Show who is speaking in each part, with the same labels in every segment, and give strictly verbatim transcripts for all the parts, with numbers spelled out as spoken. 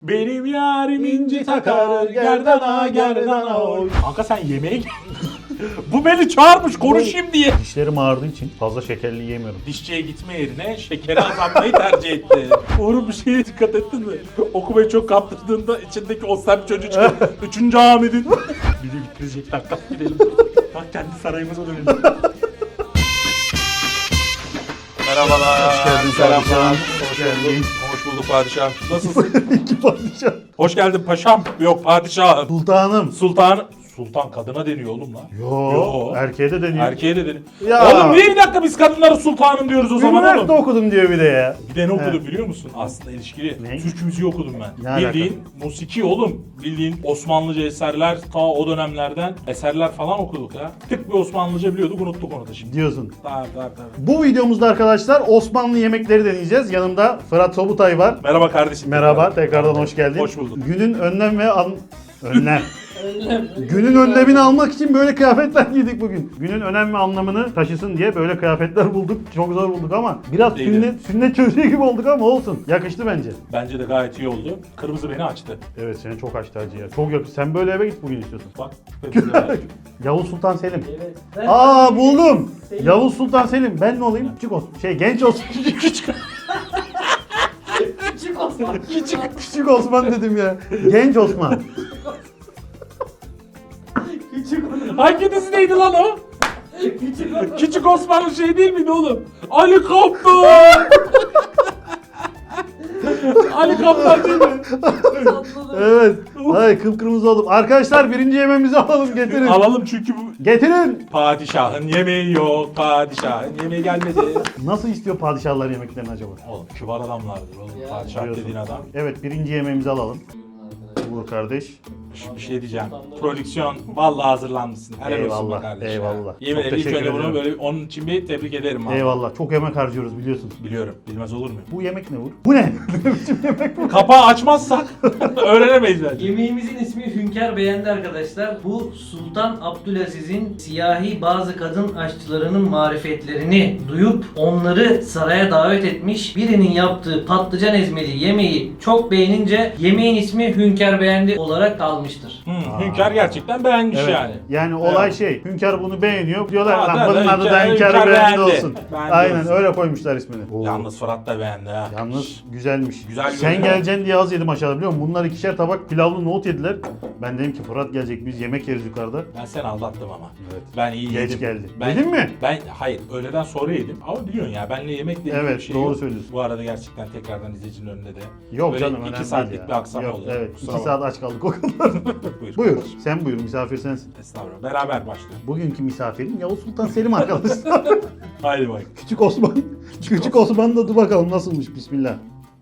Speaker 1: Benim yarim inci takar gerdana gerdana oy. Kanka sen yemeğe gel. Bu beni çağırmış konuşayım diye.
Speaker 2: Dişlerim ağrıdığı için fazla şekerli yiyemiyorum.
Speaker 1: Dişçiye gitme yerine şekeri azaltmayı tercih etti. Uğur bir şeye dikkat ettin mi? Okumayı çok kaptırdığında içindeki o sert çocuk çıkıyor. Üçüncü Hamid'in. Bizi bitirecekler. Kalk gidelim. Bak kendi sarayımıza dönelim. Merhabalar.
Speaker 2: Hoş geldin
Speaker 1: Selamlar.
Speaker 2: padişahım.
Speaker 1: Hoş geldin. Hoş bulduk padişahım. Nasılsın?
Speaker 2: İki padişah.
Speaker 1: Hoş geldin paşam. Yok padişahım.
Speaker 2: Sultanım.
Speaker 1: Sultan. Sultan kadına deniyor oğlum lan.
Speaker 2: Yo,
Speaker 1: Yo.
Speaker 2: erkeğe de deniyor.
Speaker 1: Erkeğe de deniyor.
Speaker 2: Ya.
Speaker 1: Oğlum niye bir dakika biz kadınlara sultanım diyoruz o zaman
Speaker 2: Üniversite
Speaker 1: oğlum?
Speaker 2: okudum diyor bir de ya.
Speaker 1: Bir de ne okudum
Speaker 2: Evet.
Speaker 1: biliyor musun? Aslında ilişkili.
Speaker 2: Ne?
Speaker 1: Türk müziği okudum ben.
Speaker 2: Ne
Speaker 1: Bildiğin musiki oğlum. Bildiğin Osmanlıca eserler ta o dönemlerden eserler falan okuduk ya. Tık bir Osmanlıca biliyorduk unuttuk onu da şimdi.
Speaker 2: Diyorsun.
Speaker 1: Tabii tabii tabii.
Speaker 2: Bu videomuzda arkadaşlar Osmanlı yemekleri deneyeceğiz. Yanımda Fırat Sobutay var.
Speaker 1: Merhaba kardeşim.
Speaker 2: Merhaba, tekrardan hoş geldin.
Speaker 1: Hoş bulduk.
Speaker 2: Günün önlem ve an... Önlem. Günün önlemini almak için böyle kıyafetler giydik bugün. Günün önem ve anlamını taşısın diye böyle kıyafetler bulduk. Çok zor bulduk ama biraz
Speaker 1: Değildi.
Speaker 2: sünnet, sünnet çocuğu gibi olduk ama olsun. Yakıştı bence.
Speaker 1: Bence de gayet iyi oldu. Kırmızı beni açtı.
Speaker 2: Evet seni çok açtı hacı ya. Çok yakıştı. Sen böyle eve git bugün istiyorsun.
Speaker 1: Bak. kırmızı beni açtı.
Speaker 2: Yavuz Sultan Selim.
Speaker 3: Evet. Ben
Speaker 2: Aa buldum.
Speaker 3: Selim.
Speaker 2: Yavuz Sultan Selim. Ben ne olayım? Küçük olsun. Şey genç olsun.
Speaker 1: Küçük.
Speaker 3: Küçük Osman.
Speaker 1: Küçük.
Speaker 2: Küçük Osman dedim ya. Genç Osman.
Speaker 3: Küçük Osman.
Speaker 1: Hangi dizideydi lan o?
Speaker 3: Küçük Osman.
Speaker 1: Küçük Osmanlı şey değil miydi oğlum? Ali Kaptan! Ali Kaptan değil mi?
Speaker 2: Evet. Ay kıpkırmızı oldum. Arkadaşlar birinci yemeğimizi alalım getirin.
Speaker 1: Alalım çünkü bu...
Speaker 2: Getirin.
Speaker 1: Padişahın yemeği yok, padişahın yemeği gelmedi.
Speaker 2: Nasıl istiyor padişahlar yemeklerini acaba?
Speaker 1: Oğlum kibar adamlardır oğlum.
Speaker 3: Ya.
Speaker 1: Padişah
Speaker 2: Biliyorsun.
Speaker 1: dediğin adam.
Speaker 2: Evet birinci yemeğimizi alalım. Uğur kardeş.
Speaker 1: Şu bir şey diyeceğim. Prodüksiyon vallahi hazırlanmışsın. Helal olsun
Speaker 2: Eyvallah,
Speaker 1: be kardeşim.
Speaker 2: eyvallah.
Speaker 1: Yemin
Speaker 2: Çok
Speaker 1: ederim ilk
Speaker 2: teşekkür
Speaker 1: önce bunu
Speaker 2: ederim.
Speaker 1: böyle onun için bir tebrik ederim abi.
Speaker 2: Eyvallah. Çok emek harcıyoruz biliyorsun.
Speaker 1: Biliyorum. Bilmez olur mu?
Speaker 2: Bu yemek ne Uğur? Bu ne? Ne biçim yemek bu?
Speaker 1: Kapağı açmazsak öğrenemeyiz bence.
Speaker 3: Yemeğimizin ismi Hünkar beğendi arkadaşlar. Bu Sultan Abdülaziz'in siyahi bazı kadın aşçılarının marifetlerini duyup onları saraya davet etmiş. Birinin yaptığı patlıcan ezmeli yemeği çok beğenince yemeğin ismi Hünkar beğendi olarak kalmıştır.
Speaker 1: Hı, Hünkar gerçekten beğenmiş
Speaker 2: Evet.
Speaker 1: yani.
Speaker 2: Yani olay
Speaker 1: Evet.
Speaker 2: şey, Hünkar bunu beğeniyor. Diyorlar
Speaker 1: Ha,
Speaker 2: lan
Speaker 1: da-
Speaker 2: bunun
Speaker 1: da
Speaker 2: adı da
Speaker 1: Hünkar-
Speaker 2: Hünkar
Speaker 1: Hünkar
Speaker 2: beğendi
Speaker 1: beğendi.
Speaker 2: olsun.
Speaker 1: Beğendi
Speaker 2: Aynen
Speaker 1: olsun.
Speaker 2: öyle koymuşlar ismini. Oo.
Speaker 1: Yalnız Fırat da beğendi ha.
Speaker 2: Yalnız güzelmiş.
Speaker 1: Güzel
Speaker 2: Sen
Speaker 1: görünüyor.
Speaker 2: geleceksin diye az yedim aşağıda biliyor musun? Bunlar ikişer tabak pilavlı nohut yediler. Ben dedim ki Fırat gelecek biz yemek yeriz yukarıda.
Speaker 1: Ben seni aldattım ama.
Speaker 2: Evet.
Speaker 1: Ben iyi
Speaker 2: Geç
Speaker 1: yedim.
Speaker 2: geldi.
Speaker 1: Ben,
Speaker 2: Yedin mi?
Speaker 1: Ben hayır öğleden sonra yedim ama biliyorsun ya benle yemekle ilgili
Speaker 2: Evet,
Speaker 1: bir şey
Speaker 2: doğru
Speaker 1: yok.
Speaker 2: söylüyorsun.
Speaker 1: Bu arada gerçekten tekrardan izleyicinin önünde de.
Speaker 2: Yok
Speaker 1: böyle
Speaker 2: canım
Speaker 1: iki
Speaker 2: önemli
Speaker 1: saatlik
Speaker 2: değil ya.
Speaker 1: bir aksam
Speaker 2: Yok,
Speaker 1: oldu.
Speaker 2: Evet
Speaker 1: Kusura
Speaker 2: iki
Speaker 1: bakma.
Speaker 2: saat aç kaldık o kadar.
Speaker 1: Buyur.
Speaker 2: Buyur sen buyur misafir sensin.
Speaker 1: Estağfurullah. Beraber başlayalım.
Speaker 2: Bugünkü misafirim Yavuz Sultan Selim arkadaşlar.
Speaker 1: Haydi bak.
Speaker 2: Küçük Osman. Küçük Osman da dur bakalım nasılmış bismillah.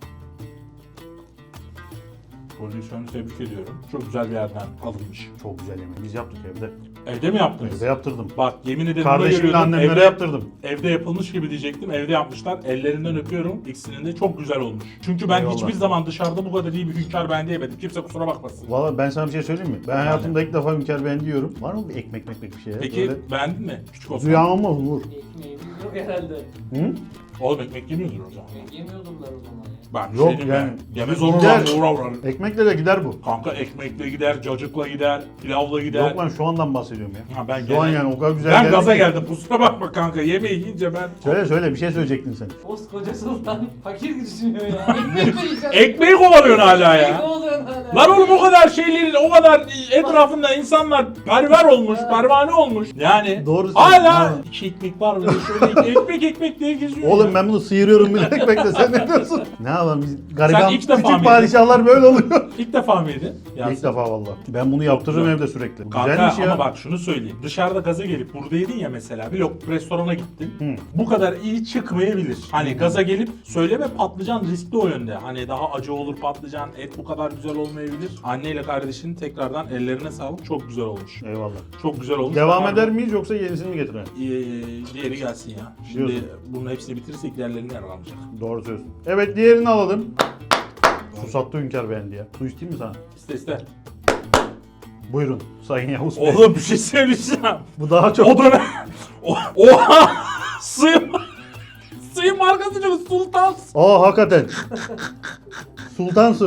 Speaker 1: Prodüksiyonu tebrik ediyorum. Çok güzel bir yerden alınmış.
Speaker 2: Çok güzel yemek. Biz yaptık evde.
Speaker 1: Evde mi yaptınız?
Speaker 2: Evde yaptırdım.
Speaker 1: Bak yemin ederim buna
Speaker 2: Kardeşimle
Speaker 1: geliyordum.
Speaker 2: annemlere
Speaker 1: Evde,
Speaker 2: yaptırdım.
Speaker 1: evde yapılmış gibi diyecektim. Evde yapmışlar. Ellerinden öpüyorum. İkisinin de çok güzel olmuş. Çünkü ben
Speaker 2: Eyvallah.
Speaker 1: hiçbir zaman dışarıda bu kadar iyi bir hünkâr beğendi yemedim. Kimse kusura bakmasın.
Speaker 2: Valla ben sana bir şey söyleyeyim mi? Ben hayatımda ilk defa Hünkar beğendi yiyorum. Var mı bir ekmek mekmek bir şey? ya?
Speaker 1: Peki
Speaker 2: Böyle...
Speaker 1: beğendin mi? Küçük Osman.
Speaker 2: Rüyam mı Uğur?
Speaker 3: Ekmeğimiz yok herhalde.
Speaker 2: Hı?
Speaker 1: Oğlum ekmek yemiyordur o zaman.
Speaker 3: Ekmek yemiyordumlar o zaman ya.
Speaker 1: Ben bir
Speaker 2: Yok
Speaker 1: şey diyeyim
Speaker 2: yani.
Speaker 1: mi? Yemez olur
Speaker 2: Gider.
Speaker 1: lan uğra uğra.
Speaker 2: Ekmekle de gider bu.
Speaker 1: Kanka ekmekle gider, cacıkla gider, pilavla gider.
Speaker 2: Yok lan şu andan bahsediyorum ya.
Speaker 1: Ha, ben
Speaker 2: Şu an
Speaker 1: gene-
Speaker 2: yani o kadar güzel
Speaker 1: Ben
Speaker 2: geldi
Speaker 1: gaza
Speaker 2: ki.
Speaker 1: geldim kusura bakma kanka yemeği yiyince ben...
Speaker 2: Söyle söyle bir şey söyleyecektin sen.
Speaker 3: Koskoca Sultan fakir düşünüyor ya. Ekmek mi yiyeceğim?
Speaker 1: Ekmeği kovalıyorsun hala
Speaker 3: Ekmek
Speaker 1: ya.
Speaker 3: oluyor hala.
Speaker 1: Lan oğlum o kadar şeylerin, o kadar etrafında insanlar perver olmuş, pervane olmuş. Yani
Speaker 2: Doğru söylüyorsun.
Speaker 1: hala
Speaker 2: Ha.
Speaker 1: iki ekmek var mı? Şöyle ekmek ekmek diye geziyor.
Speaker 2: Oğlum
Speaker 1: ya.
Speaker 2: ben bunu sıyırıyorum bile ekmekle sen ne diyorsun? Ne yapalım biz gariban
Speaker 1: ilk defa
Speaker 2: küçük
Speaker 1: mıydın?
Speaker 2: padişahlar böyle oluyor.
Speaker 1: İlk defa mıydı? Ya
Speaker 2: İlk defa valla. Ben bunu yaptırırım
Speaker 1: güzel.
Speaker 2: evde sürekli. Bu
Speaker 1: Kanka
Speaker 2: güzelmiş ya.
Speaker 1: ama bak şunu söyleyeyim. Dışarıda gaza gelip burada yedin ya mesela bir lok restorana gittin.
Speaker 2: Hı.
Speaker 1: Bu kadar iyi çıkmayabilir. Hani gaza gelip söyleme patlıcan riskli o yönde. Hani daha acı olur patlıcan, et bu kadar güzel olmayabilir. Anneyle kardeşinin tekrardan ellerine sağlık. Çok güzel olmuş.
Speaker 2: Eyvallah.
Speaker 1: Çok güzel olmuş.
Speaker 2: Devam
Speaker 1: Pardon.
Speaker 2: eder miyiz yoksa yenisini mi getirelim?
Speaker 1: Ee, diğeri gelsin ya. Şimdi
Speaker 2: Diyorsun.
Speaker 1: bunun hepsini bitirirsek diğerlerini yer kalmayacak.
Speaker 2: Doğru söylüyorsun. Evet diğerini alalım. Susattı Hünkar beğendi ya. Su isteyeyim mi sana?
Speaker 1: İste iste.
Speaker 2: Buyurun Sayın Yavuz Bey.
Speaker 1: Oğlum bir şey söyleyeceğim.
Speaker 2: Bu daha çok...
Speaker 1: O dönem... O- Oha! Suyun... Suyun markası çok Sultan.
Speaker 2: Aa hakikaten. Sultan su.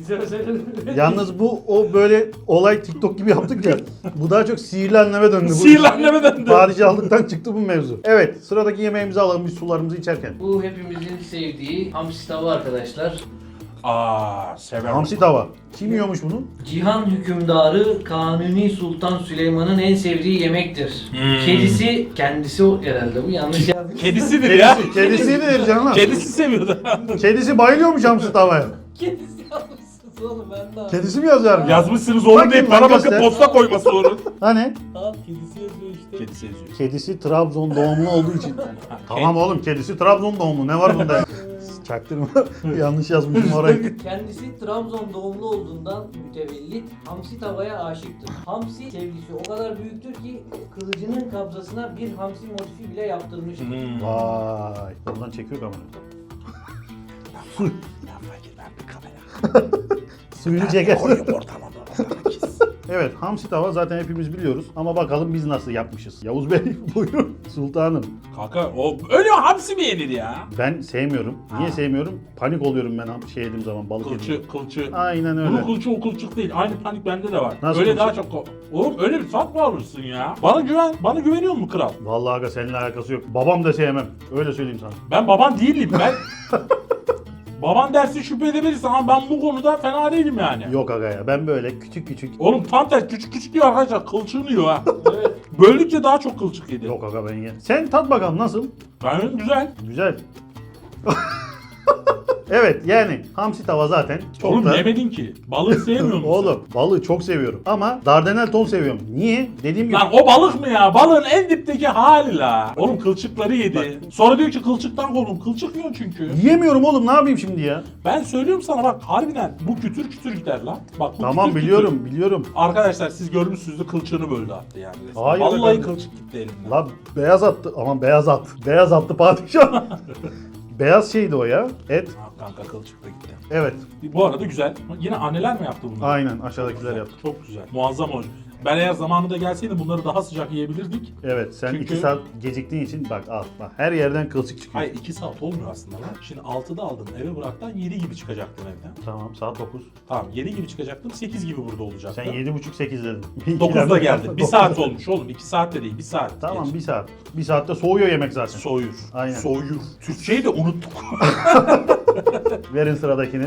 Speaker 3: Bize mesela
Speaker 2: Yalnız bu o böyle olay TikTok gibi yaptık ya. Bu daha çok sihirli anneme döndü. Bu
Speaker 1: Sihirli anneme döndü.
Speaker 2: Padişahlıktan çıktı bu mevzu. Evet, sıradaki yemeğimizi alalım biz sularımızı içerken.
Speaker 3: Bu hepimizin sevdiği hamsi tava arkadaşlar.
Speaker 1: Aa, severim.
Speaker 2: Hamsi tava. Kim yiyormuş bunu?
Speaker 3: Cihan hükümdarı Kanuni Sultan Süleyman'ın en sevdiği yemektir.
Speaker 1: Hmm.
Speaker 3: Kedisi, kendisi o herhalde bu yanlış yazmış.
Speaker 1: Kedisidir ya.
Speaker 2: Kedisi, kedisidir canım.
Speaker 1: Kedisi seviyordu.
Speaker 2: Kedisi bayılıyormuş hamsi tavaya.
Speaker 3: Kedisi yazmışsınız oğlum ben de.
Speaker 2: Kedisi mi yazar?
Speaker 1: Yazmışsınız oğlum
Speaker 2: Bakayım
Speaker 1: deyip
Speaker 2: lan
Speaker 1: bana bakıp
Speaker 2: göster.
Speaker 1: posta koyması onun.
Speaker 2: Hani?
Speaker 3: Tamam kedisi yazıyor işte.
Speaker 1: Kedisi yazıyor.
Speaker 2: Kedisi Trabzon doğumlu olduğu için. Tamam oğlum, kedisi Trabzon doğumlu. Ne var bunda? Çaktırma. Yanlış yazmışım orayı.
Speaker 3: Kendisi Trabzon doğumlu olduğundan mütevellit hamsi tavaya aşıktır. Hamsi sevgisi o kadar büyüktür ki kılıcının kabzasına bir hamsi motifi bile yaptırmıştır.
Speaker 1: Hmm.
Speaker 2: Vay. Ondan çekiyor kamerayı. Suyunu çeker. Evet, hamsi tava zaten hepimiz biliyoruz ama bakalım biz nasıl yapmışız. Yavuz Bey buyurun. Sultanım.
Speaker 1: Kanka o öyle hamsi mi yenir ya?
Speaker 2: Ben sevmiyorum. Niye
Speaker 1: Ha.
Speaker 2: sevmiyorum? Panik oluyorum ben ham- şey yediğim zaman, balık yediğim
Speaker 1: Kılçı, kılçı.
Speaker 2: Aynen öyle.
Speaker 1: Bunun kılçı o kılçık değil. Aynı panik bende de var.
Speaker 2: Nasıl
Speaker 1: öyle
Speaker 2: kılçık?
Speaker 1: daha çok... Oğlum öyle bir tat mı alırsın ya? Bana güven, bana güveniyor musun kral?
Speaker 2: Vallahi aga seninle alakası yok. Babam da sevmem. Öyle söyleyeyim sana.
Speaker 1: Ben baban değilim ben. Baban dersi şüphe edebilirsin ama ben bu konuda fena değilim yani.
Speaker 2: Yok aga ya. Ben böyle küçük küçük.
Speaker 1: Oğlum tam tersi küçük küçük diyor arkadaşlar, kılçığını yiyor ha. Evet. Böldükçe daha çok kılçık yedi.
Speaker 2: Yok aga ben ye. Sen tat bakalım nasıl?
Speaker 1: Ben güzel.
Speaker 2: Güzel. Evet yani hamsi tava zaten çok
Speaker 1: Oğlum
Speaker 2: da...
Speaker 1: yemedin ki. Balığı sevmiyor musun?
Speaker 2: Oğlum balığı çok seviyorum ama dardanel ton seviyorum. Niye? Dediğim gibi
Speaker 1: Lan o balık mı ya? Balığın en dipteki hali la. Oğlum kılçıkları yedi. Sonra diyor ki kılçıktan korkun. Kılçık yiyor çünkü.
Speaker 2: yiyemiyorum oğlum, ne yapayım şimdi ya?
Speaker 1: Ben söylüyorum sana bak harbiden bu kütür kütür gider lan. Bak bu
Speaker 2: Tamam
Speaker 1: kütür
Speaker 2: biliyorum
Speaker 1: kütür.
Speaker 2: biliyorum.
Speaker 1: Arkadaşlar siz görmüşsünüzdür, kılçığını böldü attı yani. resmen.
Speaker 2: Hayır
Speaker 1: Vallahi
Speaker 2: efendim.
Speaker 1: kılçık gitti elimden.
Speaker 2: La beyaz attı, aman beyaz at. Beyaz attı padişah. Beyaz şeydi o ya. Et.
Speaker 1: Ha, kanka kılçık da gitti.
Speaker 2: Evet.
Speaker 1: Bu arada güzel. Yine anneler mi yaptı bunu?
Speaker 2: Aynen aşağıdakiler yaptı.
Speaker 1: Çok güzel. Muazzam olmuş. Ben eğer zamanında gelseydim bunları daha sıcak yiyebilirdik.
Speaker 2: Evet sen
Speaker 1: Çünkü-
Speaker 2: iki saat geciktiğin için bak al bak her yerden kılçık çıkıyor.
Speaker 1: Hayır iki saat olmuyor aslında lan. Şimdi altıda aldım eve bıraktan yedi gibi çıkacaktım evden.
Speaker 2: Tamam saat dokuz.
Speaker 1: Tamam yedi gibi çıkacaktım, sekiz gibi burada olacaktım.
Speaker 2: Sen yedi buçuk sekiz dedin.
Speaker 1: dokuzda geldim. bir saat olmuş oğlum. iki saat de değil, bir saat.
Speaker 2: Tamam
Speaker 1: geç.
Speaker 2: bir saat. Bir saatte soğuyor yemek zaten.
Speaker 1: Soğuyur.
Speaker 2: Aynen.
Speaker 1: Soğuyur. Türkçeyi de unuttuk.
Speaker 2: Verin sıradakini.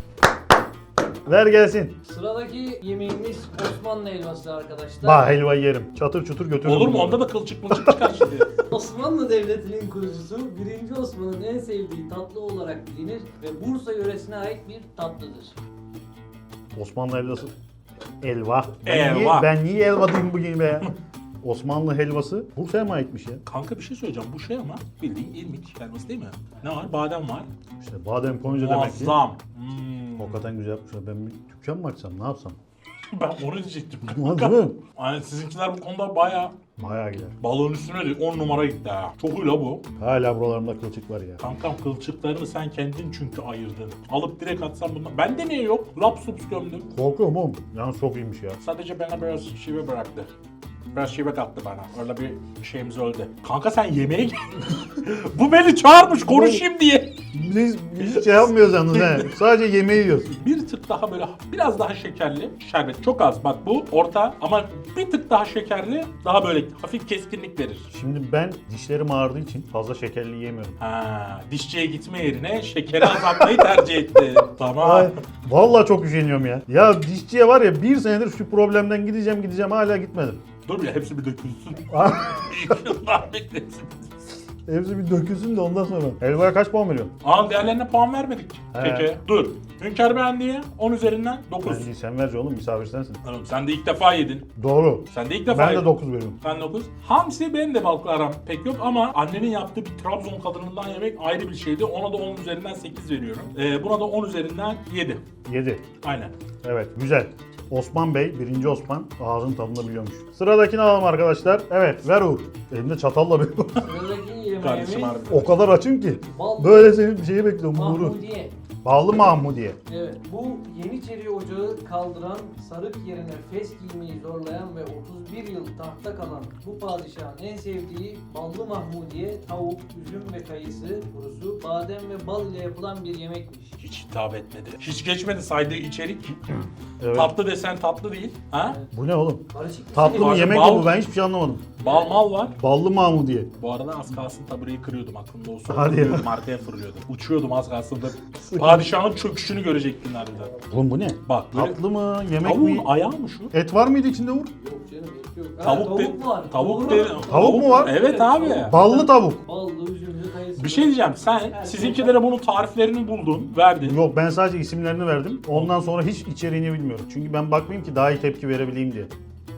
Speaker 2: Ver gelsin.
Speaker 3: Sıradaki yemeğimiz Osmanlı helvası arkadaşlar.
Speaker 2: Bah helvayı yerim. Çatır çutur götürürüm.
Speaker 1: Olur mu?
Speaker 2: bunu.
Speaker 1: Onda da kılçık mılçık çıkar şimdi.
Speaker 3: Osmanlı Devleti'nin kurucusu birinci Osman'ın en sevdiği tatlı olarak bilinir ve Bursa yöresine ait bir tatlıdır.
Speaker 2: Osmanlı helvası. Elva. Ben
Speaker 1: Elva.
Speaker 2: Niye, ben niye elva diyeyim bugün be ya? Osmanlı helvası Bursa'ya mı aitmiş ya?
Speaker 1: Kanka bir şey söyleyeceğim. Bu şey ama bildiğin irmik helvası değil mi? Ne var? Badem var.
Speaker 2: İşte badem koyunca demek ki.
Speaker 1: Muazzam. Hmm.
Speaker 2: Hakikaten güzel yapmışlar. Ben bir dükkan mı açsam, ne yapsam?
Speaker 1: Ben onu diyecektim.
Speaker 2: Olmaz değil mi?
Speaker 1: Yani sizinkiler bu konuda bayağı
Speaker 2: Bayağı gider.
Speaker 1: balığın üstüne de on numara gitti ha. Çok iyi la bu.
Speaker 2: Hala buralarımda kılçık var ya.
Speaker 1: Kankam kılçıklarını sen kendin çünkü ayırdın. Alıp direkt atsan bundan. Bende niye yok? Laps lups gömdüm.
Speaker 2: Korkuyorum oğlum. Yalnız çok iyiymiş ya.
Speaker 1: Sadece bana biraz şive bıraktı. Biraz şive kattı bana. Öyle bir şeyimiz öldü. Kanka sen yemeğe gel. Bu beni çağırmış konuşayım diye.
Speaker 2: Biz, biz şey yapmıyoruz yalnız he. Sadece yemeği yiyoruz.
Speaker 1: Bir tık daha böyle biraz daha şekerli şerbet. Çok az bak bu orta ama bir tık daha şekerli daha böyle hafif keskinlik verir.
Speaker 2: Şimdi ben dişlerim ağrıdığı için fazla şekerli yiyemiyorum.
Speaker 1: Ha, dişçiye gitme yerine şekeri azaltmayı tercih etti. Tamam.
Speaker 2: Ay, vallahi çok üşeniyorum ya. Ya dişçiye var ya bir senedir şu problemden gideceğim gideceğim hala gitmedim.
Speaker 1: Dur ya hepsi bir dökülsün. Yıllar beklesin.
Speaker 2: Hepsi bir dökülsün de ondan sonra. Helvaya kaç puan veriyorsun?
Speaker 1: Aa diğerlerine puan vermedik.
Speaker 2: He.
Speaker 1: Peki dur. Hünkar beğendiği on üzerinden dokuz.
Speaker 2: Ben değil, sen ver oğlum, misafir sensin.
Speaker 1: Oğlum sen de ilk defa yedin.
Speaker 2: Doğru.
Speaker 1: Sen de ilk defa
Speaker 2: Ben
Speaker 1: yedin.
Speaker 2: de dokuz veriyorum.
Speaker 1: Ben dokuz. Hamsi benim de balıkla aram pek yok ama annenin yaptığı bir Trabzon kadınından yemek ayrı bir şeydi. Ona da on üzerinden sekiz veriyorum. Ee, buna da on üzerinden yedi.
Speaker 2: yedi.
Speaker 1: Aynen.
Speaker 2: Evet güzel. Osman Bey, birinci Osman ağzın tadını biliyormuş. Sıradakini alalım arkadaşlar. Evet ver Uğur. Elimde çatalla bir
Speaker 3: Sıradaki
Speaker 1: Kardeşim
Speaker 3: yemeğimiz
Speaker 1: harbi.
Speaker 2: O kadar açım ki.
Speaker 3: bal
Speaker 2: Böyle senin bir şeyi bekliyorum Uğur'u.
Speaker 3: mahmudiye.
Speaker 2: Ballı Mahmudiye.
Speaker 3: Evet, bu Yeniçeri Ocağı kaldıran, sarık yerine fes giymeyi zorlayan ve otuz bir yıl tahtta kalan bu padişahın en sevdiği ballı mahmudiye, tavuk, üzüm ve kayısı kurusu, badem ve bal ile yapılan bir yemekmiş.
Speaker 1: Hiç hitap etmedi. Hiç geçmedi saydığı içerik.
Speaker 2: Evet.
Speaker 1: Tatlı desen tatlı değil. Ha?
Speaker 2: Bu ne oğlum?
Speaker 3: Karışık bir
Speaker 2: Tatlı
Speaker 3: şey.
Speaker 2: mı yemek mi
Speaker 1: Bal-
Speaker 2: bu? Ben hiçbir şey anlamadım.
Speaker 1: Bal mal var.
Speaker 2: Ballı Mahmudiye.
Speaker 1: Bu arada az kalsın tabureyi kırıyordum aklımda olsa.
Speaker 2: Hadi ya.
Speaker 1: Fırlıyordum, arkaya fırlıyordum. Uçuyordum az kalsın da. Padişahın çöküşünü görecektin harbiden.
Speaker 2: Oğlum bu ne?
Speaker 1: Bak böyle
Speaker 2: Tatlı mı? Yemek
Speaker 1: tavuğun
Speaker 2: mi?
Speaker 1: ayağı mı şu?
Speaker 2: Et var mıydı içinde Uğur?
Speaker 3: Yok canım, et yok. Ha,
Speaker 1: Tavuk,
Speaker 3: tavuk
Speaker 1: de-
Speaker 3: var.
Speaker 1: Tavuk,
Speaker 3: Doğru.
Speaker 1: de-
Speaker 2: Tavuk mu var?
Speaker 1: Evet abi.
Speaker 2: Ballı tavuk.
Speaker 3: Ballı, üzümlü, kayısı.
Speaker 1: Bir şey diyeceğim. Sen sizinkilere bunun tariflerini buldun, verdin.
Speaker 2: Yok ben sadece isimlerini verdim. Ondan sonra hiç içeriğini bilmiyorum. Çünkü ben bakmayayım ki daha iyi tepki verebileyim diye.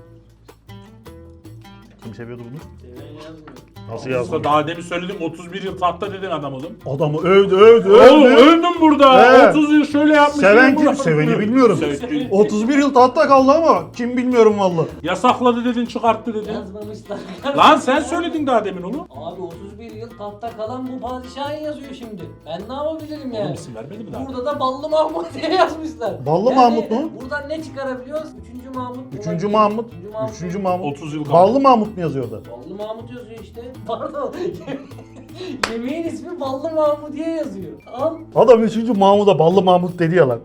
Speaker 2: Kim seviyordu bunu?
Speaker 3: Seven yazmıyor.
Speaker 2: Nasıl
Speaker 1: Aslında
Speaker 2: yazdın?
Speaker 1: daha demin söyledim otuz bir yıl tahtta dedin adam oğlum.
Speaker 2: Adamı övdü övdü
Speaker 1: Oğlum
Speaker 2: övdü.
Speaker 1: öldüm burada.
Speaker 2: He.
Speaker 1: otuz yıl şöyle yapmış.
Speaker 2: Seven
Speaker 1: şöyle
Speaker 2: kim? Seveni bilmiyorum.
Speaker 1: Sevdi.
Speaker 2: otuz bir yıl tahtta kaldı ama kim bilmiyorum valla.
Speaker 1: Yasakladı dedin, çıkarttı dedin.
Speaker 3: Yazmamışlar.
Speaker 1: Lan sen söyledin daha demin onu.
Speaker 3: Abi otuz bir yıl tahtta kalan bu padişahın yazıyor şimdi. Ben ne yapabilirim
Speaker 1: Oğlum
Speaker 3: yani?
Speaker 1: isim vermedi mi daha?
Speaker 3: Burada da Ballı Mahmut diye yazmışlar.
Speaker 2: Ballı Mahmut mu?
Speaker 3: Buradan ne çıkarabiliyoruz? Üçüncü Mahmut.
Speaker 2: Üçüncü
Speaker 3: olabilir.
Speaker 2: Mahmut.
Speaker 3: Üçüncü Mahmut.
Speaker 2: Üçüncü Mahmut.
Speaker 1: otuz yıl kaldı.
Speaker 2: Ballı Mahmut mu yazıyor orada?
Speaker 3: Ballı Mahmut yazıyor işte. Pardon. Yemeğin ismi Ballı Mahmut diye yazıyor. Al.
Speaker 2: Adam üçüncü Mahmut'a Ballı Mahmut dedi ya lan.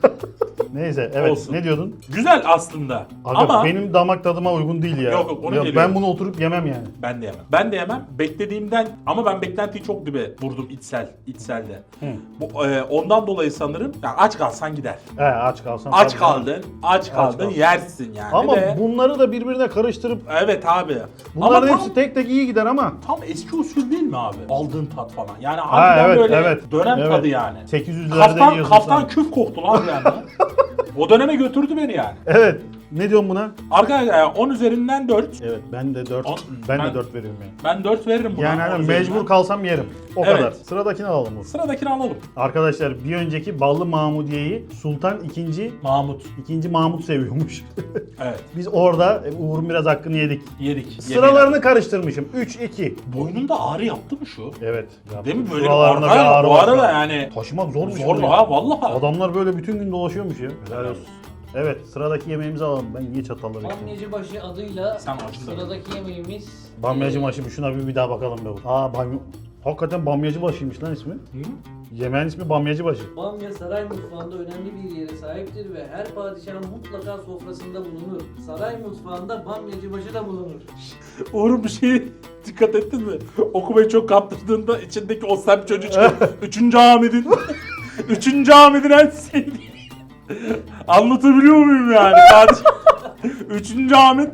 Speaker 2: Neyse evet
Speaker 1: Olsun.
Speaker 2: ne diyordun?
Speaker 1: Güzel aslında.
Speaker 2: Aga,
Speaker 1: Ama
Speaker 2: benim damak tadıma uygun değil ya.
Speaker 1: Yok, yok, onu
Speaker 2: Ya
Speaker 1: geliyorum.
Speaker 2: ben bunu oturup yemem yani.
Speaker 1: ben de yemem. Ben de yemem. Beklediğimden ama ben beklentiyi çok dibe vurdum içsel, içselde.
Speaker 2: Hı.
Speaker 1: Bu, e, ondan dolayı sanırım ya aç kalsan gider.
Speaker 2: He aç kalsam.
Speaker 1: Aç
Speaker 2: tabii
Speaker 1: kaldın, aç kaldın,
Speaker 2: kaldın.
Speaker 1: yersin yani.
Speaker 2: Ama
Speaker 1: de.
Speaker 2: bunları da birbirine karıştırıp
Speaker 1: Evet abi.
Speaker 2: bunların
Speaker 1: ama
Speaker 2: hepsi
Speaker 1: tam,
Speaker 2: tek tek iyi gider ama.
Speaker 1: tam eski usul değil mi abi? Aldığın tat falan. Yani
Speaker 2: Ha
Speaker 1: harbiden
Speaker 2: evet
Speaker 1: böyle
Speaker 2: evet.
Speaker 1: dönem
Speaker 2: evet.
Speaker 1: tadı yani.
Speaker 2: sekiz yüzlerde
Speaker 1: Kaftan,
Speaker 2: yiyorsun
Speaker 1: kaftan
Speaker 2: sen.
Speaker 1: küf koktu lan yani. O döneme götürdü beni yani.
Speaker 2: Evet. Ne diyorsun buna?
Speaker 1: Arkadaşlar on üzerinden dört.
Speaker 2: Evet ben de dört.
Speaker 1: On-
Speaker 2: ben,
Speaker 1: ben-
Speaker 2: de dört veriyorum yani.
Speaker 1: Ben dört veririm buna.
Speaker 2: Yani
Speaker 1: on
Speaker 2: hani
Speaker 1: üzerinden.
Speaker 2: mecbur kalsam yerim. O
Speaker 1: Evet.
Speaker 2: kadar. Sıradakini alalım. Uğur.
Speaker 1: Sıradakini alalım.
Speaker 2: Arkadaşlar bir önceki Ballı Mahmudiye'yi Sultan ikinci
Speaker 1: Mahmut.
Speaker 2: ikinci Mahmut seviyormuş.
Speaker 1: Evet.
Speaker 2: Biz orada e, Uğur'un biraz hakkını yedik.
Speaker 1: Yedik.
Speaker 2: Sıralarını karıştırmışım. üç iki.
Speaker 1: Boynunda ağrı yaptı mı şu?
Speaker 2: Evet. yaptım.
Speaker 1: Değil mi? Böyle bir
Speaker 2: Şuralarına
Speaker 1: ağrı,
Speaker 2: bir ağrı
Speaker 1: bu
Speaker 2: var.
Speaker 1: arada yani.
Speaker 2: Taşımak zormuş.
Speaker 1: Zor
Speaker 2: bunu ya.
Speaker 1: ha vallahi.
Speaker 2: Adamlar böyle bütün gün dolaşıyormuş ya. Helal
Speaker 1: Helal
Speaker 2: olsun. Evet sıradaki yemeğimizi alalım. Ben niye çatalları ekledim?
Speaker 3: Bamyacıbaşı adıyla
Speaker 1: Sen acı da.
Speaker 3: sıradaki yemeğimiz.
Speaker 2: Bamyacı başı şuna bir, bir daha bakalım be. Aa bamya... Hakikaten Bamyacı başıymış lan ismi.
Speaker 1: Hı?
Speaker 2: Yemeğin ismi Bamyacı başı.
Speaker 3: Bamya saray mutfağında önemli bir yere sahiptir ve her padişahın mutlaka sofrasında bulunur. Saray mutfağında bamyacıbaşı da bulunur.
Speaker 1: Uğur'un bir şeye dikkat ettin mi? Okumayı çok kaptırdığında içindeki o semt çocuğu çıkıyor. Üçüncü Ahmet'in Üçüncü Ahmet'in en sevdiği. Anlatabiliyor muyum yani? Padişah. Üçüncü Ahmet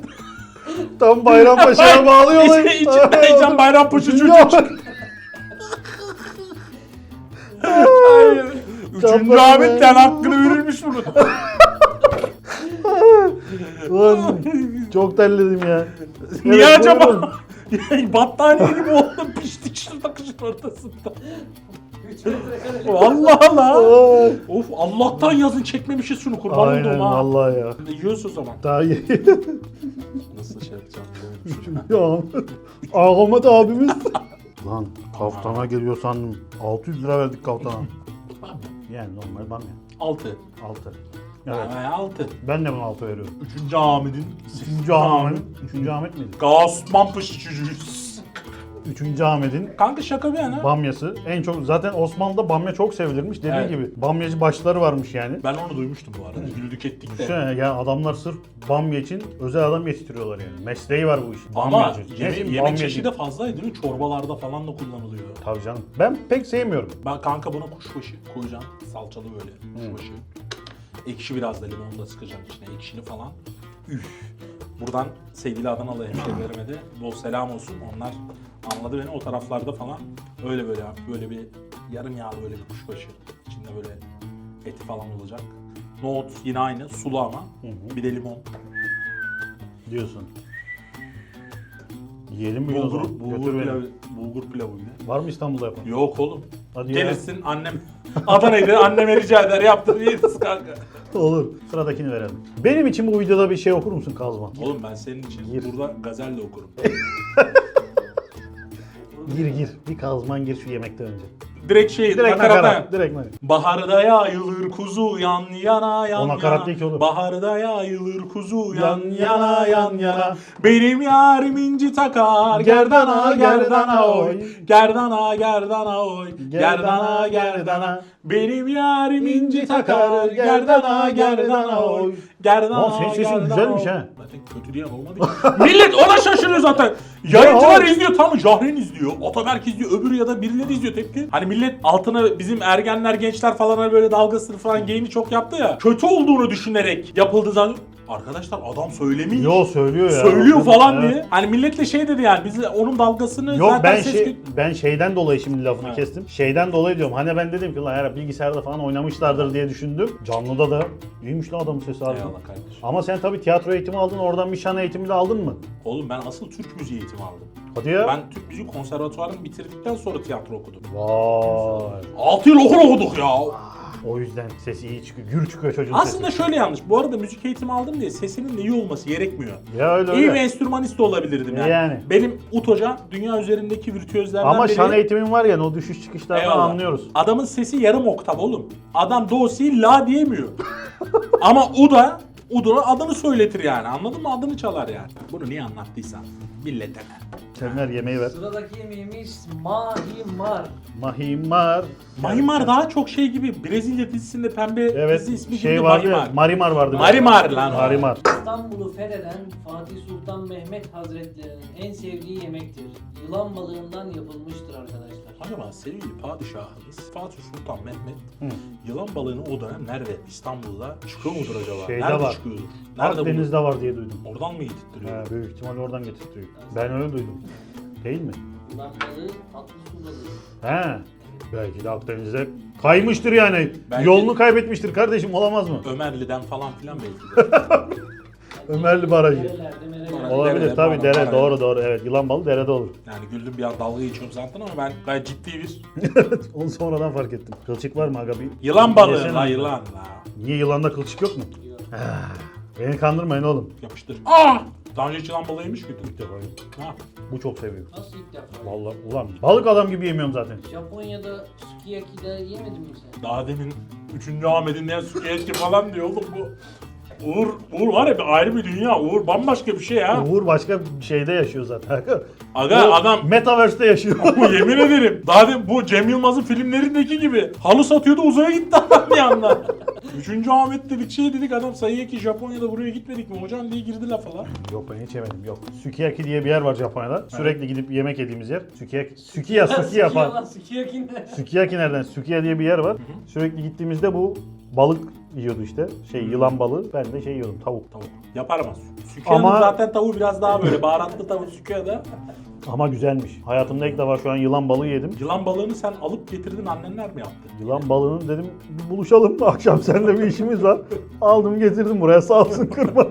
Speaker 2: Tam Bayrampaşa'ya bağlıyorlar.
Speaker 1: İçi- içinde Heyecan Bayrampaşa çocuğu
Speaker 2: Yok.
Speaker 1: çıkıyor. Hayır. Üçüncü
Speaker 2: Kapatın
Speaker 1: Ahmet
Speaker 2: be.
Speaker 1: yani hakkını verilmiş bunu.
Speaker 2: Ulan çok terledim ya.
Speaker 1: Niye
Speaker 2: Evet,
Speaker 1: acaba?
Speaker 2: buyurun.
Speaker 1: Battaniye gibi oldum piştik şurada kışın ortasında.
Speaker 3: üç metrekare.
Speaker 1: Vallahi la.
Speaker 2: Ay.
Speaker 1: Of Allah'tan yazın çekmemişiz şunu kurban olduğum
Speaker 2: Aynen
Speaker 1: ha.
Speaker 2: vallahi ya.
Speaker 1: Yiyoruz o zaman.
Speaker 2: Daha iyi.
Speaker 1: Nasıl şey yapacağım?
Speaker 2: ya Ahmet abimiz. Lan kaftana geliyor sandım. altı yüz lira verdik kaftana. Yani normal bamya.
Speaker 1: Altı.
Speaker 2: altı. Evet.
Speaker 1: Evet. Altı.
Speaker 2: Ben de buna altı veriyorum.
Speaker 1: Üçüncü Ahmet'in.
Speaker 2: Üçüncü Ahmet. Üçüncü Ahmet miydi?
Speaker 1: Osman Paşa çocuğuyuz.
Speaker 2: Üçüncü Ahmet'in
Speaker 1: Kanka şaka bir yana.
Speaker 2: bamyası. En çok zaten Osmanlı'da bamya çok sevilirmiş. Dediği
Speaker 1: Evet.
Speaker 2: gibi bamyacı başları varmış yani.
Speaker 1: Ben onu duymuştum bu arada. Güldük ettik de.
Speaker 2: Düşünsene ya adamlar sırf bamya için özel adam yetiştiriyorlar yani. Mesleği var bu işin.
Speaker 1: Ama
Speaker 2: Bamyacı.
Speaker 1: yeme-
Speaker 2: Ne diyeyim,
Speaker 1: yemek
Speaker 2: bamyacı.
Speaker 1: çeşidi de fazlaydı değil mi? Çorbalarda falan da kullanılıyor.
Speaker 2: Tabii canım. Ben pek sevmiyorum.
Speaker 1: Ben kanka buna kuşbaşı koyacaksın. Salçalı böyle kuşbaşı. Ekşi biraz da limonu da sıkacaksın içine. Ekşili falan. Üf. Buradan sevgili Adanalı hemşehrilerime de bol selam olsun. Onlar anladı beni o taraflarda falan. Öyle böyle böyle bir yarım yağlı böyle bir kuşbaşı. İçinde böyle eti falan olacak. Nohut yine aynı sulu ama.
Speaker 2: hı.
Speaker 1: Bir de limon.
Speaker 2: Diyorsun. Yiyelim mi o
Speaker 1: Bulgur,
Speaker 2: zaman?
Speaker 1: bulgur
Speaker 2: Götür beni.
Speaker 1: pilavı, bulgur pilavı bile.
Speaker 2: Var mı İstanbul'da yapan?
Speaker 1: Yok oğlum.
Speaker 2: Hadi ya.
Speaker 1: Gelirsin annem Adana'ydı anneme rica eder yaptır yeriz kanka.
Speaker 2: Olur. Sıradakini verelim. Benim için bu videoda bir şey okur musun Kazman?
Speaker 1: Oğlum ben senin için
Speaker 2: Gir.
Speaker 1: burada gazelle okurum.
Speaker 2: Gir gir. Bir Kazman gir şu yemekten önce.
Speaker 1: direkt şey
Speaker 2: Direkt
Speaker 1: nakarata.
Speaker 2: nakarat. Direkt nakarat.
Speaker 1: Baharda yayılır kuzu yan yana yan
Speaker 2: O nakarat
Speaker 1: yana.
Speaker 2: değil ki oğlum.
Speaker 1: Baharda yayılır kuzu yan
Speaker 2: Yan
Speaker 1: yana yan yana.
Speaker 2: yana.
Speaker 1: Benim yarim inci takar gerdana gerdana oy. Gerdana gerdana oy. Gerdana gerdana. Benim yarim inci takar gerdana gerdana oy. Gerdana
Speaker 2: Oğlum senin sesin
Speaker 1: gerdana
Speaker 2: güzelmiş
Speaker 1: oy.
Speaker 2: ha.
Speaker 1: Zaten kötü diyen olmadı ki. Millet ona şaşırıyor zaten. Yayıncılar
Speaker 2: Ya.
Speaker 1: izliyor, tam Jahren izliyor, Ataberk izliyor, öbürü ya da birileri izliyor tepki. Hani millet altına bizim ergenler, gençler falan hani böyle dalgasını falan geyini çok yaptı ya. Kötü olduğunu düşünerek yapıldı zaten. Arkadaşlar adam söylemiş.
Speaker 2: Yo söylüyor ya.
Speaker 1: Söylüyor falan
Speaker 2: Evet.
Speaker 1: diye. Hani millet de şey dedi yani biz onun dalgasını
Speaker 2: Yok
Speaker 1: zaten
Speaker 2: ben
Speaker 1: ses
Speaker 2: şey,
Speaker 1: gö-
Speaker 2: ben şeyden dolayı şimdi lafını
Speaker 1: Ha.
Speaker 2: kestim. Şeyden dolayı diyorum. Hani ben dedim ki lan herhalde bilgisayarda falan oynamışlardır diye düşündüm. Canlıda da iyiymiş lan adamın sesi abi.
Speaker 1: Eyvallah kardeşim.
Speaker 2: Ama sen tabii tiyatro eğitimi aldın, oradan bir şan eğitimi de aldın mı?
Speaker 1: Oğlum ben asıl Türk müziği eğitimi aldım.
Speaker 2: Hadi ya.
Speaker 1: Ben Türk müziği konservatuvarını bitirdikten sonra tiyatro okudum.
Speaker 2: Vay.
Speaker 1: altı yıl okul okuduk ya.
Speaker 2: O yüzden sesi iyi çıkıyor. Gür çıkıyor çocuğun
Speaker 1: Aslında
Speaker 2: sesi.
Speaker 1: şöyle yanlış. Bu arada müzik eğitimi aldım diye sesinin de iyi olması gerekmiyor.
Speaker 2: Ya öyle
Speaker 1: İyi bir
Speaker 2: öyle.
Speaker 1: enstrümanist de olabilirdim yani.
Speaker 2: Yani.
Speaker 1: Benim Ut hocam dünya üzerindeki virtüözlerden
Speaker 2: Ama
Speaker 1: biri.
Speaker 2: şan eğitimin var ya o düşüş çıkışlardan
Speaker 1: Eyvallah.
Speaker 2: anlıyoruz.
Speaker 1: Adamın sesi yarım oktav oğlum. Adam do si la diyemiyor. Ama U da U'da adını söyletir yani. Anladın mı? Adını çalar yani. Bunu niye anlattıysan millete ne?
Speaker 2: Sevmer yemeği ver.
Speaker 3: Sıradaki yemeğimiz mahimar.
Speaker 2: Mahimar.
Speaker 1: Marimar daha çok şey gibi Brezilya dizisinde pembe
Speaker 2: Evet.
Speaker 1: dizi ismi
Speaker 2: Şey
Speaker 1: gibi
Speaker 2: vardı ya,
Speaker 1: Marimar.
Speaker 2: Marimar vardı.
Speaker 1: Marimar lan o.
Speaker 2: Marimar.
Speaker 3: İstanbul'u fetheden Fatih Sultan Mehmet Hazretleri'nin en sevdiği yemektir. Yılan balığından yapılmıştır arkadaşlar.
Speaker 1: Acaba sevgili padişahımız Fatih Sultan Mehmet
Speaker 2: Hı.
Speaker 1: yılan balığını o dönem nerede? İstanbul'da çıkıyor mudur acaba?
Speaker 2: Şeyde
Speaker 1: nerede
Speaker 2: var.
Speaker 1: çıkıyordur? Nerede
Speaker 2: Akdeniz'de var diye duydum.
Speaker 1: bulur? Oradan mı yedirtiyor?
Speaker 2: He, büyük ihtimalle oradan getirtiyor. Ben öyle duydum. Değil mi?
Speaker 3: Yılan balığı tatlı su balığı.
Speaker 2: He. Belki de Akdeniz'e kaymıştır yani.
Speaker 1: Belki-
Speaker 2: Yolunu kaybetmiştir kardeşim, olamaz mı?
Speaker 1: Ömerli'den falan filan belki de.
Speaker 2: Ömerli Barajı.
Speaker 3: Nerelerde merelerde.
Speaker 1: Olabilir.
Speaker 2: Olabilir
Speaker 1: Derede,
Speaker 2: tabii,
Speaker 1: bağlam,
Speaker 2: dere
Speaker 1: parayla.
Speaker 2: doğru doğru, evet, yılan balı derede olur.
Speaker 1: Yani güldüm bir an dalga geçiyorum zaten ama ben gayet ciddi bir
Speaker 2: Onu sonradan fark ettim. Kılçık var mı aga bir?
Speaker 1: yılan balığı
Speaker 2: Yesene.
Speaker 1: la yılan la.
Speaker 2: Niye, yılanda kılçık yok mu?
Speaker 3: Yok.
Speaker 2: Beni kandırmayın oğlum.
Speaker 1: Yapıştır. Aa! Daha önce hiç yılan balığı yemiş miydin?
Speaker 2: İlk defa yedim.
Speaker 1: Ha.
Speaker 2: Bu çok seviyor.
Speaker 3: Nasıl ilk defa?
Speaker 2: Vallahi ulan balık adam gibi yemiyorum zaten.
Speaker 3: Japonya'da sukiyaki'de yemedin mi sen?
Speaker 1: Daha demin üçüncü Ahmet'in ne sükiyetki falan diyor oğlum bu. Uğur, Uğur var ya bir ayrı bir dünya. Uğur bambaşka bir şey ya.
Speaker 2: Uğur başka bir şeyde yaşıyor zaten.
Speaker 1: Aga
Speaker 2: O
Speaker 1: adam
Speaker 2: Metaverse'de yaşıyor.
Speaker 1: bu yemin ederim. Daha demin bu Cem Yılmaz'ın filmlerindeki gibi. Halı satıyordu uzaya gitti adam bir anda. Üçüncü Ahmet dedik şey dedik adam sayıya ki Japonya'da buraya gitmedik mi hocam diye girdi lafa lan.
Speaker 2: Yok ben hiç yemedim, yok. Sukiyaki diye bir yer var Japonya'da. Sürekli gidip yemek yediğimiz yer. Sukiyaki, Sukiya, Sukiya falan.
Speaker 3: Sukiyaki ne?
Speaker 2: Sukiyaki nereden? Sukiya diye bir yer var. Sürekli gittiğimizde bu balık yiyordu işte. Şey, yılan balığı. Ben de şey yiyordum, tavuk.
Speaker 1: Tavuk. Yapar ama. Sükiya'nın
Speaker 2: Ama-
Speaker 1: zaten tavuğu biraz daha böyle baharatlı tavuk Sükiya'da.
Speaker 2: Ama güzelmiş. Hayatımda ilk defa şu an yılan balığı yedim.
Speaker 1: Yılan balığını sen alıp getirdin annenler mi yaptı?
Speaker 2: Yılan balığını dedim bir buluşalım, akşam seninle bir işimiz var. Aldım getirdim buraya, sağ olsun, kırmadı.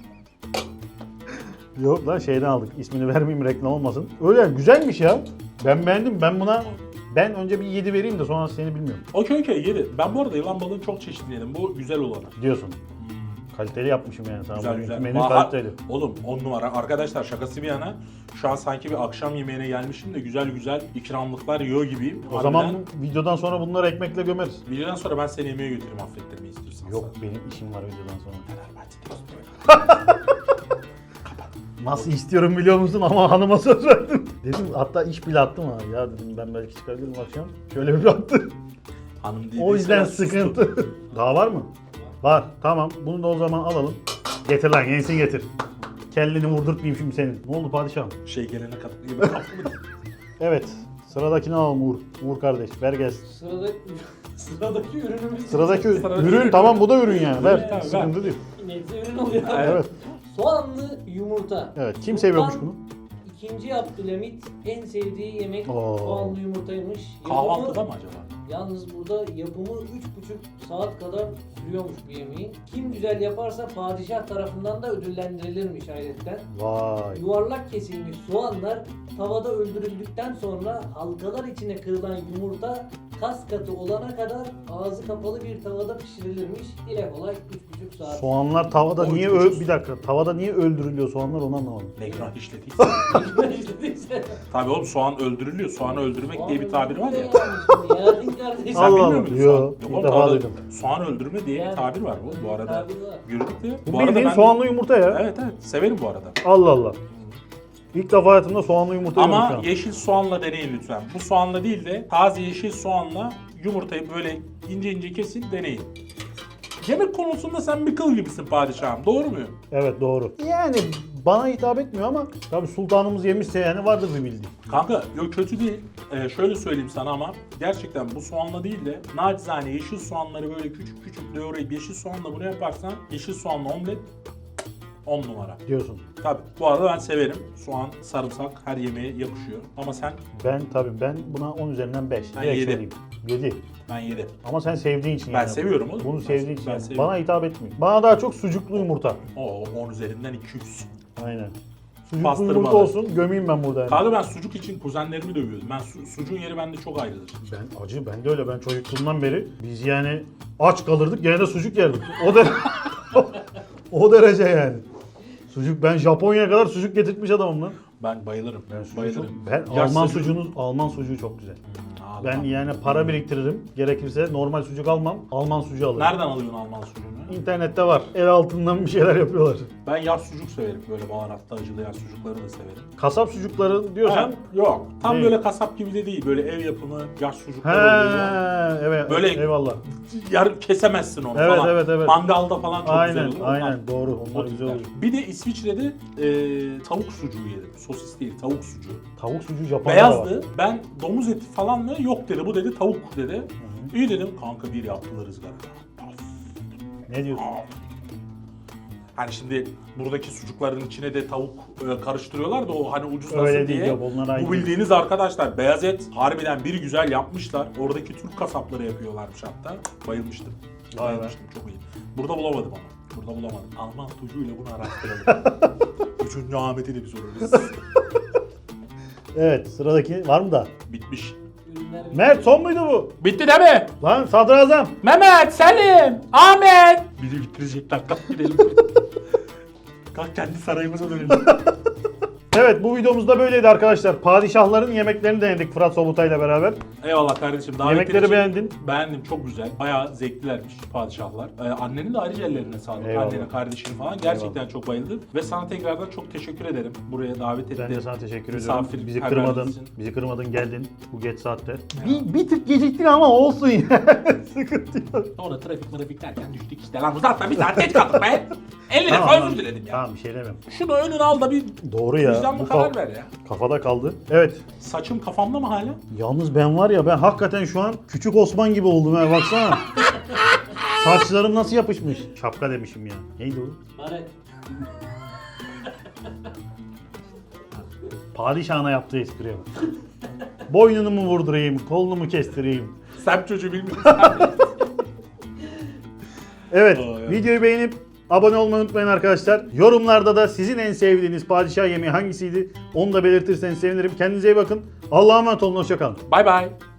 Speaker 2: Yok lan, şeyden aldık. İsmini vermeyeyim, reklam olmasın. Öyle güzelmiş ya. Ben beğendim. Ben buna ben önce bir yedi vereyim de sonra seni bilmiyorum.
Speaker 1: Okey okey yedi. Ben bu arada yılan balığını çok çeşitli yedim. Bu güzel olanı.
Speaker 2: Diyorsun. Kaliteli yapmışım yani sana.
Speaker 1: Güzel
Speaker 2: Bugünkü
Speaker 1: güzel.
Speaker 2: menü
Speaker 1: Aha,
Speaker 2: kaliteli.
Speaker 1: Oğlum on numara. Arkadaşlar şakası bir yana şu an sanki bir akşam yemeğine gelmişim de güzel güzel ikramlıklar yiyor gibiyim.
Speaker 2: O zaman bu videodan sonra bunları ekmekle gömeriz.
Speaker 1: Videodan sonra ben seni yemeğe götüreyim affettirmeyi istiyorsan.
Speaker 2: Yok, benim işim var videodan sonra.
Speaker 1: Fenerbahçe diyorsun.
Speaker 2: Nasıl istiyorum biliyor musun, ama hanıma söz verdim. Dedim, hatta iş bile attım ha. Ya dedim ben belki çıkabilirim akşam. Şöyle bir attı.
Speaker 1: Hanım dediyse
Speaker 2: O yüzden
Speaker 1: ben sustum.
Speaker 2: sıkıntı. Daha var mı? Var. Tamam. Bunu da o zaman alalım. Getir lan, yenisini getir. Kelleni vurdurtmayayım şimdi senin. Ne oldu padişahım?
Speaker 1: Şey gelene kadar gibi kafamı
Speaker 2: Evet. Sıradakini alalım Uğur. Uğur kardeş ver gelsin.
Speaker 3: Sırada, sıradaki ürünümüz
Speaker 2: Sıradaki
Speaker 1: Sıradaki
Speaker 2: ürün,
Speaker 1: ürün.
Speaker 2: tamam, bu da ürün yani. Ver.
Speaker 1: Evet,
Speaker 2: Sıkıntı
Speaker 1: ver.
Speaker 2: değil.
Speaker 3: neyse ürün oluyor.
Speaker 2: Evet.
Speaker 3: Soğanlı yumurta.
Speaker 2: Evet. Kim
Speaker 3: Sultan
Speaker 2: seviyormuş bunu?
Speaker 3: İkinci Abdülhamit en sevdiği yemek
Speaker 2: Oo.
Speaker 3: soğanlı yumurtaymış.
Speaker 1: Kahvaltıda mı acaba?
Speaker 3: Yalnız burada yapımı üç buçuk saat kadar sürüyormuş bu yemeğin. Kim güzel yaparsa padişah tarafından da ödüllendirilirmiş hayretten.
Speaker 2: Vay.
Speaker 3: Yuvarlak kesilmiş soğanlar tavada öldürüldükten sonra halkalar içine kırılan yumurta kas katı olana kadar ağzı kapalı bir tavada pişirilirmiş. Dile kolay üç buçuk saat.
Speaker 2: Soğanlar tavada
Speaker 1: O
Speaker 2: niye
Speaker 1: üç
Speaker 2: ö-
Speaker 1: buçuk-
Speaker 2: bir dakika tavada niye öldürülüyor soğanlar onu anlamadım.
Speaker 1: Ne günah işlediyse.
Speaker 3: İşte
Speaker 1: Tabii oğlum soğan öldürülüyor. Soğanı öldürmek diye bir tabir var ya.
Speaker 3: Ya din kardeşim.
Speaker 1: Sen
Speaker 2: Allah
Speaker 1: bilmiyor
Speaker 2: Allah.
Speaker 1: muydun?
Speaker 2: Yo,
Speaker 1: Soğan-
Speaker 2: ilk
Speaker 1: oğlum,
Speaker 2: defa
Speaker 1: tavada
Speaker 2: duydum.
Speaker 1: Soğan öldürme diye bir
Speaker 3: Yani,
Speaker 1: tabir var bu, bu arada.
Speaker 3: tabir var.
Speaker 1: Gördük de.
Speaker 2: Bu
Speaker 1: Bu arada
Speaker 2: bildiğin
Speaker 1: ben de-
Speaker 2: soğanlı yumurta ya.
Speaker 1: Evet evet severim bu arada.
Speaker 2: Allah Allah. İlk defa hayatımda soğanlı yumurta yiyorum şu
Speaker 1: Ama
Speaker 2: an.
Speaker 1: yeşil soğanla deneyin lütfen. Bu soğanla değil de taze yeşil soğanla yumurtayı böyle ince ince kesin deneyin. Yemek konusunda sen bir kıl gibisin padişahım. Doğru muyum?
Speaker 2: Evet doğru. Yani bana hitap etmiyor ama tabii sultanımız yemişse yani vardır bir bildiği.
Speaker 1: Kanka yok kötü değil. Ee, şöyle söyleyeyim sana ama gerçekten bu soğanla değil de nacizane yeşil soğanları böyle küçük küçük doğrayıp yeşil soğanla bunu yaparsan yeşil soğanla omlet on numara.
Speaker 2: Diyorsun.
Speaker 1: Tabii bu arada ben severim. Soğan, sarımsak her yemeğe yakışıyor. Ama sen
Speaker 2: Ben tabii ben buna on üzerinden beş.
Speaker 1: Ben
Speaker 2: Direkt
Speaker 1: yedi.
Speaker 2: söyleyeyim. yedi.
Speaker 1: ben yedim.
Speaker 2: Ama sen sevdiğin için
Speaker 1: Ben
Speaker 2: yani.
Speaker 1: seviyorum oğlum.
Speaker 2: Bunu
Speaker 1: Ben-
Speaker 2: sevdiğin için.
Speaker 1: ben
Speaker 2: yani.
Speaker 1: seviyorum.
Speaker 2: Bana hitap etmiyor. Bana daha çok sucuklu yumurta.
Speaker 1: O on üzerinden iki yüz.
Speaker 2: Aynen. Sucuklu
Speaker 1: Pastırmalı.
Speaker 2: yumurta olsun gömeyim ben burada yani.
Speaker 1: Kanka ben sucuk için kuzenlerimi dövüyordum. Ben su, sucuğun yeri bende çok ayrıdır.
Speaker 2: Ben acı ben de öyle ben çocukluğumdan beri biz yani aç kalırdık gene de sucuk yerdik. O da o derece yani. Sucuk ben Japonya'ya kadar sucuk getirtmiş adamım lan.
Speaker 1: Ben bayılırım.
Speaker 2: Ben sucuğu
Speaker 1: bayılırım.
Speaker 2: çok- ben
Speaker 1: Yaş
Speaker 2: Alman
Speaker 1: sucuk-
Speaker 2: sucuğunu Alman sucuğu çok güzel.
Speaker 1: Hmm,
Speaker 2: Ben
Speaker 1: Alman.
Speaker 2: yani para biriktiririm. Gerekirse normal sucuk almam. Alman sucuğu alırım.
Speaker 1: Nereden alıyorsun Alman sucuğunu?
Speaker 2: İnternette var. El altından bir şeyler yapıyorlar.
Speaker 1: Ben yağ sucuk severim. Böyle baharatlı acılı yağ sucukları da severim.
Speaker 2: Kasap sucukları diyorsan
Speaker 1: Ha, yok. Tam
Speaker 2: Değil.
Speaker 1: böyle kasap gibi de değil. Böyle ev yapımı yaş
Speaker 2: he
Speaker 1: sucuklar oluyor.
Speaker 2: evet
Speaker 1: Böyle-
Speaker 2: eyvallah.
Speaker 1: Yarı kesemezsin onu
Speaker 2: Evet,
Speaker 1: falan.
Speaker 2: evet, evet.
Speaker 1: Mangalda falan çok güzel
Speaker 2: Aynen
Speaker 1: olur. Onlar-
Speaker 2: aynen doğru onlar
Speaker 1: o
Speaker 2: güzel
Speaker 1: tipler.
Speaker 2: oluyor.
Speaker 1: Bir de İsviçre'de e, tavuk sucuğu yedim. Sosis değil, tavuk sucuğu.
Speaker 2: Tavuk sucuğu Japonya'da var.
Speaker 1: Beyazdı. Ben domuz eti falan mı? Yok dedi. Bu dedi tavuk dedi. İyi dedim. Kanka bir yaptılar ızgarada. Of.
Speaker 2: Ne diyorsun?
Speaker 1: Hani şimdi buradaki sucukların içine de tavuk e, karıştırıyorlar da o hani ucuzlasın
Speaker 2: Öyle değil,
Speaker 1: diye.
Speaker 2: yok, onlar aynı.
Speaker 1: Bu bildiğiniz arkadaşlar beyaz et harbiden bir güzel yapmışlar. Oradaki Türk kasapları yapıyorlarmış hatta. Bayılmıştım.
Speaker 2: Vay be.
Speaker 1: Bayılmıştım çok iyi. Burada bulamadım ama. Burada bulamadım. Alman sucuğuyla bunu araştıralım. Üçüncü Ahmet'i de bir sorarız.
Speaker 2: Evet sıradaki var mı da?
Speaker 1: Bitmiş.
Speaker 3: Ürünler
Speaker 2: Mert son muydu bu?
Speaker 1: Bitti değil mi?
Speaker 2: Lan sadrazam.
Speaker 1: Mehmet, Selim, Ahmet. Biri bitirecekler. Kalk gidelim. Kalk kendi sarayımıza dönelim.
Speaker 2: Evet bu videomuzda böyleydi arkadaşlar. Padişahların yemeklerini denedik Fırat Sobutay'la beraber.
Speaker 1: Eyvallah kardeşim. Davetin
Speaker 2: Yemekleri
Speaker 1: için
Speaker 2: beğendin.
Speaker 1: Beğendim. Çok güzel. Bayağı zevklilermiş padişahlar. Ee, annenin de ayrıca ellerine sağlık.
Speaker 2: Eyvallah.
Speaker 1: Annenin, kardeşinin falan. Gerçekten çok bayıldım. Ve sana tekrardan çok teşekkür ederim. Buraya davet ettin.
Speaker 2: Ben de sana teşekkür ediyorum.
Speaker 1: Misafir
Speaker 2: Bizi
Speaker 1: perverlik
Speaker 2: kırmadın.
Speaker 1: için.
Speaker 2: Bizi kırmadın geldin bu geç saatte. Bir, bir tık geciktin ama olsun ya. Sıkıntı yok.
Speaker 1: Sonra trafik trafik derken düştük işte. Lan zaten bir saat geç kaldık be. elli
Speaker 2: Tamam,
Speaker 1: defa
Speaker 2: lan.
Speaker 1: özür diledim ya.
Speaker 2: Tamam bir şey demem.
Speaker 1: Şunu önüne al da bir
Speaker 2: Doğru ya.
Speaker 1: vicdanlı
Speaker 2: Bu
Speaker 1: karar
Speaker 2: kaf-
Speaker 1: ver ya.
Speaker 2: Kafada kaldı. Evet.
Speaker 1: Saçım kafamda mı hala?
Speaker 2: Yalnız ben var ya ben hakikaten şu an küçük Osman gibi oldum ha baksana. Saçlarım nasıl yapışmış. Şapka demişim ya. Neydi o?
Speaker 3: Bari
Speaker 2: Padişahına yaptığı espriye bak. Boynunu mu vurdurayım, kolunu mu kestireyim?
Speaker 1: Sen çocuğu bilmiyorsun.
Speaker 2: Evet,
Speaker 1: Aa, evet.
Speaker 2: videoyu beğenip abone olmayı unutmayın arkadaşlar. Yorumlarda da sizin en sevdiğiniz padişah yemeği hangisiydi? Onu da belirtirseniz sevinirim. Kendinize iyi bakın. Allah'a emanet olun, hoşça kalın.
Speaker 1: Bay bay.